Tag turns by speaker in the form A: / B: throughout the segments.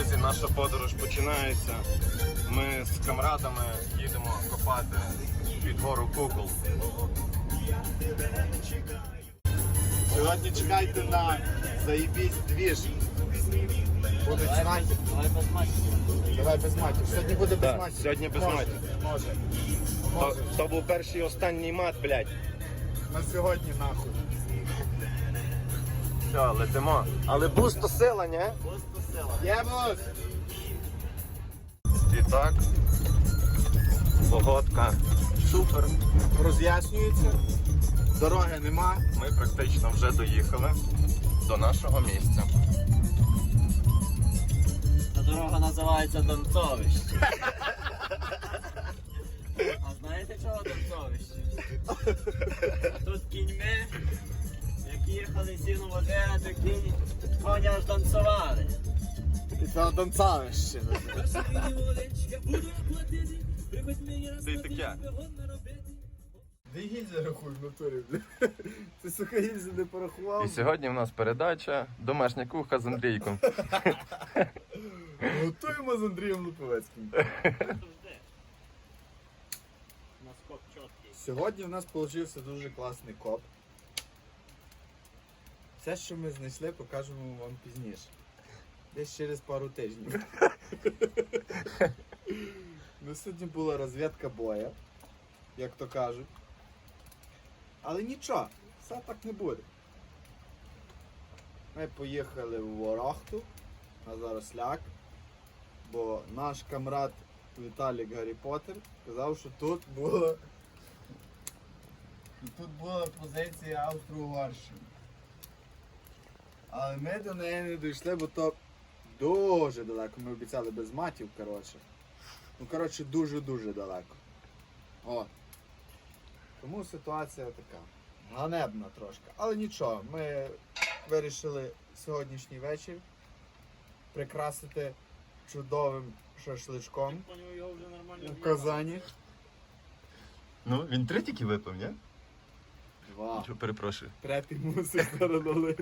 A: Друзі, наша подорож починається. Ми з камрадами їдемо копати під гору Кукол.
B: Сьогодні чекайте на заєбісь двіж. Будуть знаки.
C: Давай без матчів.
B: Давай без матів. Сьогодні буде без
A: Так,
B: матів.
A: сьогодні без
B: Може,
A: матів.
B: Може.
A: То був перший і останній мат, блядь.
B: На сьогодні нахуй.
A: Все, летимо. Але буз то сила, ні?
C: Просто сила.
B: Є бус!
A: І так. Погодка. Супер.
B: Роз'яснюється. Дороги нема.
A: Ми практично вже доїхали до нашого місця.
C: Та дорога називається Донцовище. А знаєте чого Донцовище? Тут кіньми, як їхали сіну водити, коні аж танцювали.
B: І це Донцавище.
A: Це і таке.
B: Де гільза рахуй в натурі, бля. Ти, сука, гільзу не порахував?
A: І сьогодні в нас передача «Домашня кухня» з Андрійком.
B: Готуємо з Андрієм Луповецьким.
C: Наскок чіткий.
B: Сьогодні в нас вийшов дуже класний коп. Все, що ми знайшли, покажемо вам пізніше. Десь через пару тижнів. Ну, сьогодні була розвідка боя, як то кажуть. Але нічого, все так не буде. Ми поїхали в Ворохту на Заросляк, бо наш камрад Віталік Гаррі Поттер казав, що тут була позиція Австро-Угорщини. Але ми до неї не дійшли, бо то дуже далеко. Ми обіцяли без матів, коротше. Ну, коротше, дуже-дуже далеко. О. Тому ситуація така. Ганебна трошки. Але нічого, ми вирішили сьогоднішній вечір прикрасити чудовим шашличком
C: Поняв, його вже нормально
B: у Казані.
A: Ну, він 3 тільки випив, ні?
B: 2.
A: Чого, перепрошую.
B: Третій мусить зараз налити.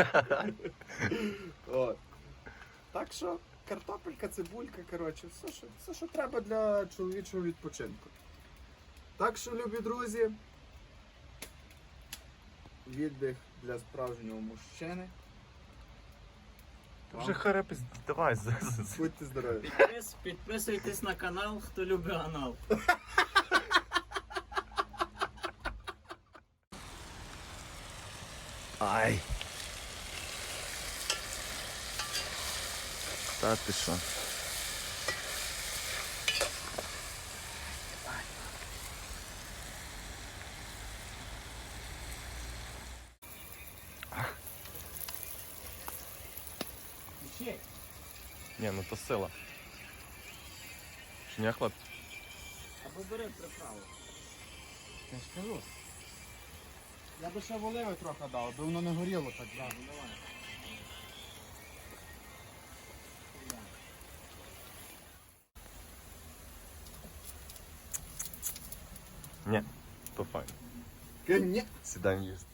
B: От. Так що картопелька, цибулька, коротше, все, що треба для чоловічого відпочинку. Так що, любі друзі, віддих для справжнього мужчини.
A: Вже харепись, давай.
B: Будьте здорові.
C: Підписуйтесь на канал, хто любить анал.
A: Ай. Та ти що?
C: Ще.
A: Ні, ну то сила. Чи ні, хлопці?
C: Або бери приправу.
B: Я ж кажу. Я би ще воливи трохи дав, аби воно не горіло так. Да.
C: Ну давай.
A: Ні, то файно.
B: Ні.
A: Сідаємо їсти.